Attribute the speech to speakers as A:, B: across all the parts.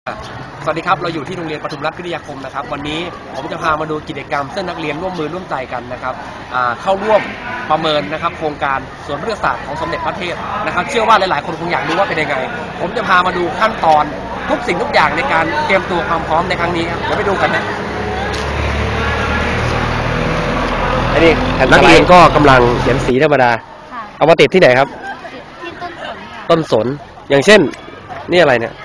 A: สวัสดีครับเราอยู่ที่โรงเรียนปทุมรัฐพิทยาคมนะครับวันนี้ผมจะพามาดูกิจกรรมซึ่งนักเรียนร่วมมือร่วมใจกันนะครับเข้าร่วมประเมินนะครับโครงการสวนพฤกษศาสตร์ของสมเด็จพระเทพนะครับเชื่อว่าหลายๆคนคงอยากรู้ว่าเป็นยังไงผมจะพามาดูขั้นตอนทุกสิ่งทุกอย่างในการเตรียมตัวความพร้อมในครั้งนี้ครับเดี๋ยวไปดูกันนะอันนี้นักเรียนก็กำลังเขียนสีธรรมดาเอามาติดที่ไหนครับ
B: ที่ต้นสน
A: ต้นสนอย่างเช่นนี่อะไรเนี่ย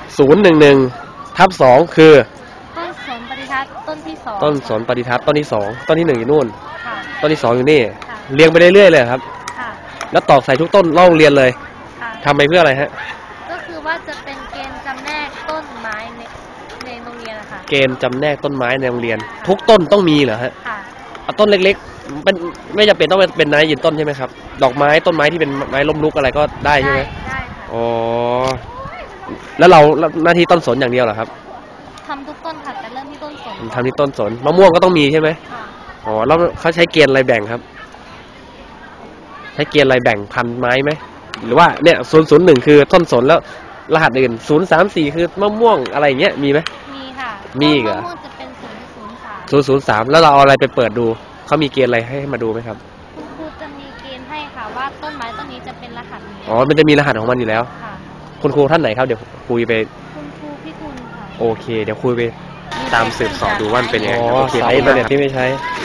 A: 011/2คือ
B: ต้นสนปฏิทัศน์ต้นที่2
A: ต้นสนปฏิทัศน์ต้นที่2ต้นที่1อยู่นู่นต้นที่2อยู่นี่เรียงไปเรื่อยๆเลยครับแล้วตอกใส่ทุกต้นเล่าเรียนเลยทำไปเพื่ออะไรฮะ
B: ก็คือว่าจะเป็นเกณฑ์จำแนกต้นไม้ในโรงเรียนนะคะ
A: เกณฑ์จำแนกต้นไม้ในโรงเรียนทุกต้นต้องมีเหรอฮะเอาต้นเล็กๆเป็นไม่จำเป็นต้องเป็นไม้ยืนต้นใช่ไหมครับดอกไม้ต้นไม้ที่เป็นไม้ล้มลุกอะไรก็ได้ใช่ไหม
B: ได้ค่ะ
A: อ๋อแล้วเราหน้าที่ต้นสนอย่างเดียวเหรอครับ
B: ทำทุกต้นค่ะแต่เริ่มที่ต้นสน
A: ทำที่ต้นสนมะม่วงก็ต้องมีใช่ไหมอ๋อแล้วเขาใช้เกณฑ์อะไรแบ่งครับใช้เกณฑ์อะไรแบ่งพันไม้ไหมหรือว่าเนี่ย001คือต้นสนแล้วรหัสอื่น034คือมะม่วงอะไรเงี้ยมีไหม
B: มีค่ะ
A: มีเหรอ
B: มะม่วงจะเป็น003
A: แล้วเราเอาอะไรไปเปิดดูเขามีเกณฑ์อะไรให้มาดูไหมครับ
B: คุณครูจะมีเกณฑ์ให้ค่ะว่าต้นไม้ต้นนี้จะเป็นรหัสนี้
A: อ๋อมันจะมีรหัสของมันอยู่แล้วคุณครูท่านไหนครับเดี๋ยวคุยไป
B: คุณครูพี่ทุนค่ะ
A: โอเคเดี๋ยวคุยไปตามสืบสอบดูว่าเป็นยังไงโอเคใช้อินเทอร์เน็ตที่ไม่ใช้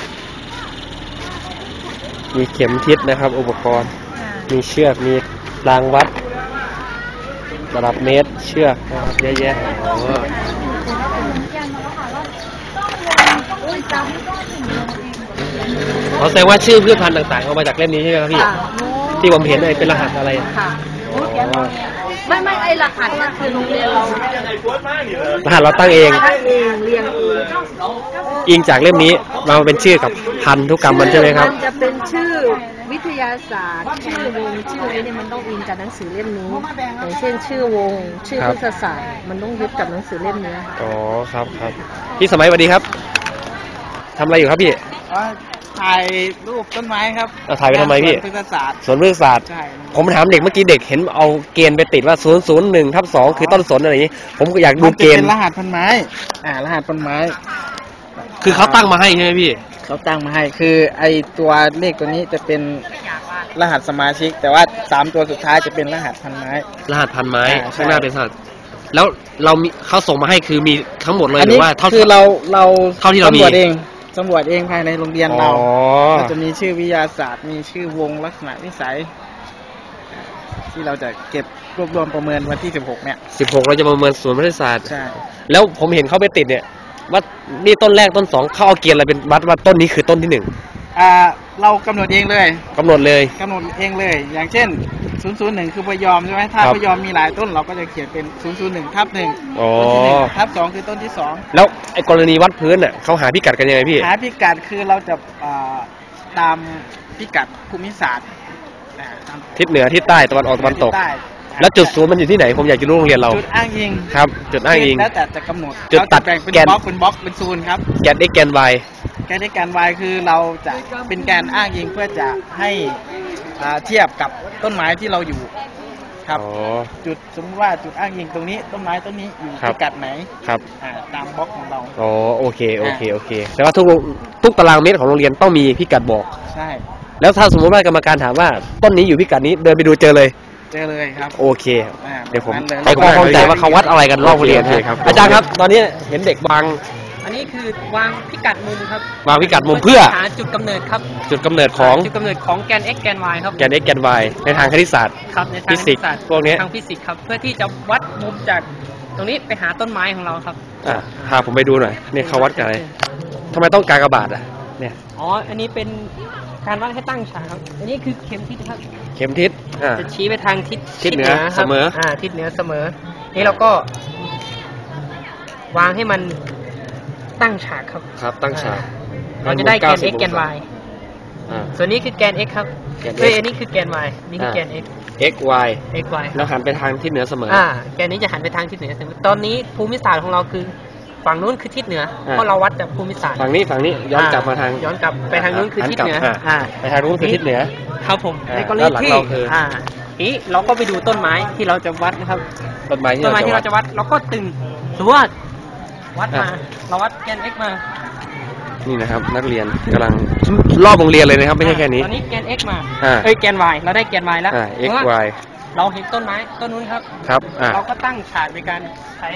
A: มีเข็มทิศนะครับอุปกรณ์มีเชือกมีรางวัดระดับเมตรเชือกนะครับเยอะแยะเขาแสดงว่าชื่อพืชพันธุ์ต่างๆเอามาจากเล่มนี้ใช่ไหมครับพี่ที่ผมเห็นเป็นรหัสอะไร
B: ไม่ไอรหัสนั่นคือโรงเรียนเรา
A: รหัสเราตั้งเอง
B: เรียง
A: อิงจากเล่มนี้มาเป็นชื่อกับพันธุกรรมมันใช่ไหมครับ
B: มันจะเป็นชื่อวิทยาศาสตร์ชื่อวงชื่อนี้มันต้องอิงจากหนังสือเล่มนี้อย่างเช่นชื่อวงชื่อพฤกษศาสตร์มันต้องยึดกับหนังสือเล่มนี้
A: อ๋อครับพี่สมัยสวัสดีครับทำอะไรอยู่ครับพี่
C: ถ่ายรูปต้นไม้ครับ
A: ถ่ายไปทำไมพี่
C: สวนพฤกษศาสตร์
A: ใช่ผมถามเด็กเมื่อกี้เด็กเห็นเอาเกณฑ์ไปติดว่า001/2คือต้นสนอะไรอย่างนี้ผมก็อยากดูเกณฑ์
C: เป็นรหัสพันไม้รหัสพันไม้
A: คือเขาตั้งมาให้ใช่ไหมพี่
C: เขาตั้งมาให้คือไอตัวเลขตัวนี้จะเป็นรหัสสมาชิกแต่ว่า3ตัวสุดท้ายจะเป็นรหัสพันไม้
A: ข้างหน้าเป็นรหัสแล้วเรามีเขาส่งมาให้คือมีทั้งหมดเลยหรือว่า
C: คือเรา
A: เท่าที่เรามี
C: สำรวจเองภายในโรงเรียนเราก็จะมีชื่อวิทยาศาสตร์มีชื่อวงลักษณะนิสัยที่เราจะเก็บรวบรวมประเมินวันที่16เนี่ย
A: 16เราจะประเมินสวนพฤกษศาสตร์
C: ใช่
A: แล้วผมเห็นเขาไปติดเนี่ยว่านี่ต้นแรกต้น2เขาเอาเกณฑ์อะไรเป็นวัดว่าต้นนี้คือต้นที่1
C: เรากำหนดเองเลย
A: กำหนดเ
C: องเลยอย่างเช่น001คือพยอมใช่ไหมถ้าพยอมมีหลายต้นเราก็จะเขียนเป็น001/1
A: อ๋อ
C: 1/2คือต้นที่2
A: แล้วไอ้กรณีวัดพื้นน่ะเขาหาพิกัดกันยังไงพี่
C: หาพิกัดคือเราจะตามพิกัดภูมิศาสตร์
A: ทิศเหนือทิศใต้ตะวันออกตะวันตกแล้วจุดศูนย์มันอยู่ที่ไหนผมอยากจะรู้โรงเรียนเรา
C: จุดอ้างอิง
A: ครับจุดอ้างอิง
C: แล้วแต่จะกำหนด
A: จุดตัด
C: แบ่งเป็นบล็อกเป็นโซนครับ
A: แกน x แกน y
C: แกน x แกน y คือเราจะเป็นการอ้างอิงเพื่อจะให้เทียบกับต้นไม้ที่เราอยู่ครับจุดสมมติว่าจุดอ้างอิงตรงนี้ต้นไม้ต้นนี้อยู่พิกัดไหน
A: ครับ
C: ตามบล็อกของเรา
A: อ๋อโอเคแต่ว่าทุกตารางเมตรของโรงเรียนต้องมีพิกัดบอก
C: ใช่
A: แล้วถ้าสมมติว่ากรรมการถามว่าต้นนี้อยู่พิกัดนี้เดินไปดูเจอเลย
C: ครับ
A: โอเคเดี๋ยวผมให้ความเข้าใจว่าเขาวัดอะไรกันรอบโรงเรียนครับอาจารย์ครับตอนนี้เห็นเด็กวาง
D: อันนี้คือวางพิกัดมุมครับ
A: วางพิกัดมุมเพื่อ
D: หาจุดกำเนิดครับ
A: จุดกำเนิดของ
D: แกน x แกน y ครับ
A: แกน x แกน y ในทางคณิตศาสตร์
D: ครับในทาง
A: ฟิสิกส์พวกนี้
D: ทางฟิสิกส์ครับเพื่อที่จะวัดมุมจากตรงนี้ไปหาต้นไม้ของเราครับ
A: พาผมไปดูหน่อยนี่เขาวัดกันอะไรทำไมต้องกากบาทเนี่ย
D: อันนี้เป็นการวัดให้ตั้งฉากครับอันนี้คือเข็มทิศครับ
A: เข็มทิศ
D: จะชี้ไปทางทิศ
A: เหนือเสมอ
D: ทิศเหนือเสมอนี่เราก็วางให้มันตั้งฉาก
A: ครับตั้งฉาก
D: เราจะได้แกน x แกน y ส่วนนี้คือแกน x ครับอันนี้คือแกน y นี่คือแกน
A: x y แล้วหันไปทางทิศเหนือเสมอ
D: แกนนี้จะหันไปทางทิศเหนือเสมอตอนนี้ภูมิศาสตร์ของเราคือฝั่งนู้นคือทิศเหนือเพราะเราวัดจากภูมิศาสตร์
A: ฝั่งนี้ย้อนกลับมาทาง
D: ย้อนกลับไปทางนู้นคือทิศเหนือ
A: ไปทางนู้นคือทิศเหนือ
D: ครับผมในกรณีที่ทีนี้เราก็ไปดูต้นไม้ที่เราจะวัดนะครับ
A: ต้นไม้ที่
D: ต้นไม้ที่
A: เรา
D: เรา
A: จะ
D: จะ
A: วัด
D: วัดเราก็ตึงสมมติว่าวัดมา
A: อ่ะ
D: เราวัดแกน x มา
A: นี่นะครับ นักเรียนกำลังรอบโรงเรียนเลยนะครับไม่ใช่แค่นี้
D: ตอนนี้แกน x มา
A: อ่า
D: เอ้ยแกน y เราได้แกน y แล้ว
A: x
D: เพราะว่า
A: y
D: เราเห็นต้นไม้ต้นนู้นครับ
A: ครับ
D: เราก็ตั้งฉากในการใช้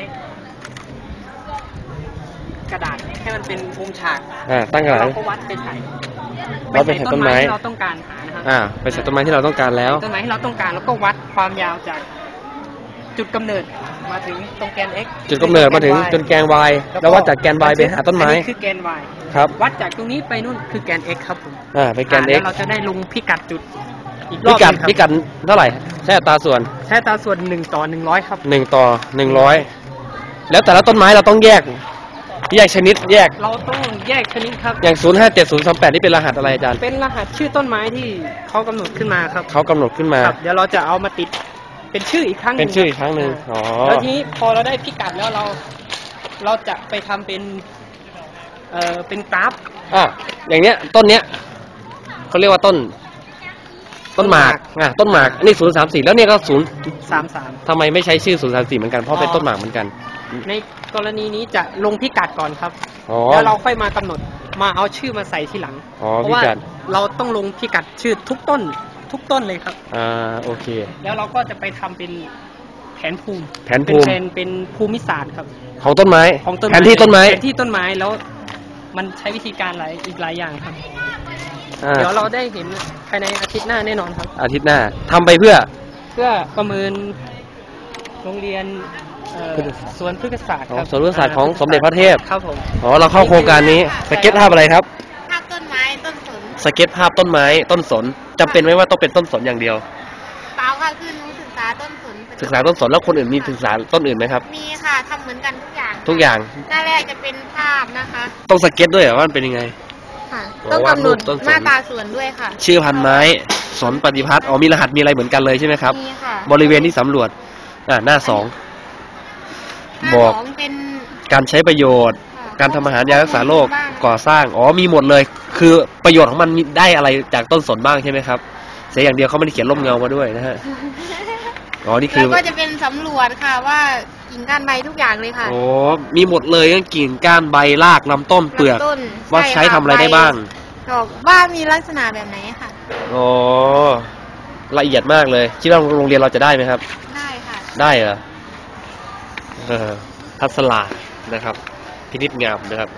D: กระดาษให้มันเป็นมุมฉาก
A: ตั้งกระดาษ
D: เราก็วัดเป็นไถ
A: วัดเป็นไถต้นไม้
D: ที่เราต้องการหานะครับ
A: ไปใส่ต้นไม้ที่เราต้องการแล้ว
D: ต้นไม้ที่เราต้องการแล้วก็วัดความยาวจากจุดกำเนิดมาถึงตรงแกน x
A: จุดกำเนิดมาถึงจนแกน y แล้ววัดจากแกน y ไปหาต้นไม้
D: อันี้คือแกน y
A: ครับ
D: วัดจากตรงนี้ไปนู่นคือแกน x ครับผม
A: ไปแกน x
D: แล้วเราจะได้ลงพิกัดจุดอีกร
A: พิ
D: อบ
A: กัด
D: หนึ่งครับ
A: พิกัดเท่าไหร่ใช้อัตราส่วน
D: ใช้อัตราส่วน1 ต่อ 100 ครับ
A: 1 ต่อ 100 แล้วแต่ละต้นไม้เราต้องแยกชนิดแยก
D: เราต้องแยกชนิดครับ
A: อย่าง 057038 นี่เป็นรหัสอะไรอาจารย์
D: เป็นรหัสชื่อต้นไม้ที่เขากำหนดขึ้นมาครับ
A: เขากำหนดขึ้นมา
D: ครับเดี๋ยวเราจะเอามาติดเป็นชื่ออีกครั้งห
A: เป็
D: นึ่
A: น
D: ง
A: ชื่ออีกครั้งหนึ่ง
D: อ่า
A: อ๋อ
D: แล้วทีนี้พอเราได้พิกัดแล้วเราจะไปทำเป็นเป็นกราฟ
A: อย่างเนี้ยต้นเนี้ยเขาเรียกว่าต้นหมากต้นหมากอันนี้034แล้วเนี่ยก็
D: 33
A: ทำไมไม่ใช้ชื่อ034เหมือนกันเพราะเป็นต้นหมากเหมือนกัน
D: ในกรณีนี้จะลงพิกัดก่อนครับ
A: อ๋อ
D: แล้วเราค่อยมากำหนดมาเอาชื่อมาใส่ทีหลัง
A: อ๋อ
D: เพราะว่า
A: พิกัด
D: เราต้องลงพิกัดชื่อทุกต้นเลยครับ
A: โอเค
D: แล้วเราก็จะไปทำเป็นแผนภูมิ
A: แผนภูมิ
D: เป็นภูมิศาสตร์ครับ
A: ของต้นไม้
D: ของต้น
A: แผนที่ต้นไม้
D: แผนที่ต้นไม้แล้วมันใช้วิธีการอีกหลายอย่างครับ
A: อ่า
D: เดี๋ยวเราได้เห็นภายในอาทิตย์หน้าแน่นอนครับ
A: อาทิตย์หน้าทำไปเพื่อ
D: เพื่อประเมินโรงเรียนสวนพฤกษศาสตร์ครับ
A: สวนพฤกษศาสตร์ของสมเด็จพระเทพ
D: ครับผม
A: เราเข้าโครงการนี้สเก็ตภาพอะไรครับ
B: ภาพต้นไม้ต้นสน
A: สเก็ตภาพต้นไม้ต้นสนจำเป็นไหมว่าต้องเป็นต้นสนอย่างเดียว
B: เปล่าค่ะคือหนูศึกษาต้นสน
A: ศึกษาต้นสนแล้วคนอื่นมีศึกษาต้นอื่นไหมครับ
B: มีค่ะทำเหมือนกันทุกอย่าง
A: ทุกอย่าง
B: หน้าแรกจะเป็นภาพนะคะ
A: ต้องสเก็ตด้วยเหรอว่ามันเป็นยังไง
B: ค่ะ
A: อ๋อ
B: ต้องกำหนด
A: วาดรูปต้นสน
B: มาตราส่วนด้วยค่ะ
A: ชื่อพันไม้สนปฏิพัฒน์มีรหัสมีอะไรเหมือนกันเลยใช่ไหมครับ
B: มีค่ะ
A: บริเวณที่สำรวจหน้า 2
B: หน้า
A: บอก
B: สองเป็น
A: การใช้ประโยชน์
B: ค่ะ
A: การทำอาหารยารักษาโรค
B: บ้าง
A: ก่อสร้างมีหมดเลย คือประโยชน์ของมันมีได้อะไรจากต้นสนบ้างใช่ไหมครับเสียอย่างเดียวเขาไม่ได้เขียนร่มเงามาด้วยนะฮะนี่คือ
B: แล้วก็จะเป็นสำรวจค่ะว่ากิ่งก้านใบทุกอย่างเลยค่ะ
A: มีหมดเลยทั้งกิ่งก้านใบรากลำต้นเปลือก
B: ลำต้น
A: ว่าใช้
B: ค่ะ
A: ทำอะไรได้บ้าง
B: ดอกว่ามีลักษณะแบบไหนค่ะ
A: ละเอียดมากเลยคิดว่าโรงเรียนเราจะได้ไหมครับ
B: ได้ค่ะ
A: ได้เหรอทัศลานะครับพินิจงามนะครับ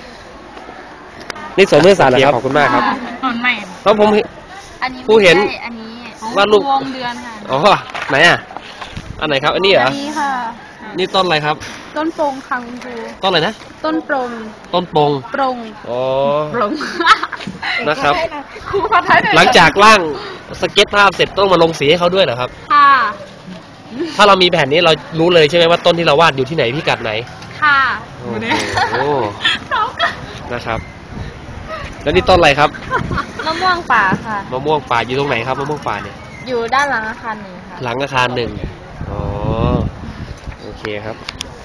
A: นี่สมมติศาสตร์เหรอครับขอบคุณมากครับ
B: ต้นไม้
A: แล้วผม
B: อันนี้
A: ผู้เห็น
B: ไม่ใช่อันนี้
A: วาดรูป
B: วงเดือนค่ะ
A: ไหนอันไหนครับอันนี้เหรอ
B: อันนี้ค่ะ
A: นี่ต้นอะไรครับ
B: ต้นโปรงค่ะคุณครู
A: ต้นอะไรนะ
B: ต้นโปรง
A: ต้นปง
B: โปรง โปรง
A: นะครับ
B: ครูขอท้ายหน่อย
A: หลังจากร่างสเก็ตภาพเสร็จต้องมาลงสีให้เขาด้วยเหรอครับ
B: ค่ะ
A: ถ้าเรามีแผ่นนี้เรารู้เลยใช่ไหมว่าต้นที่เราวาดอยู่ที่ไหนพิกัดไหน
B: ค่ะ
A: โอ้โหนะครับ แล้วนี่ต้นอะไรครับ
B: มะม่วงป่าค่ะ
A: มะม่วงป่าอยู่ตรงไหนครับมะม่วงป่าเนี่ย
B: อยู่ด้านหลังอาคารหนึ่งค่ะ
A: หลังอาคาร 1 โอเคครับ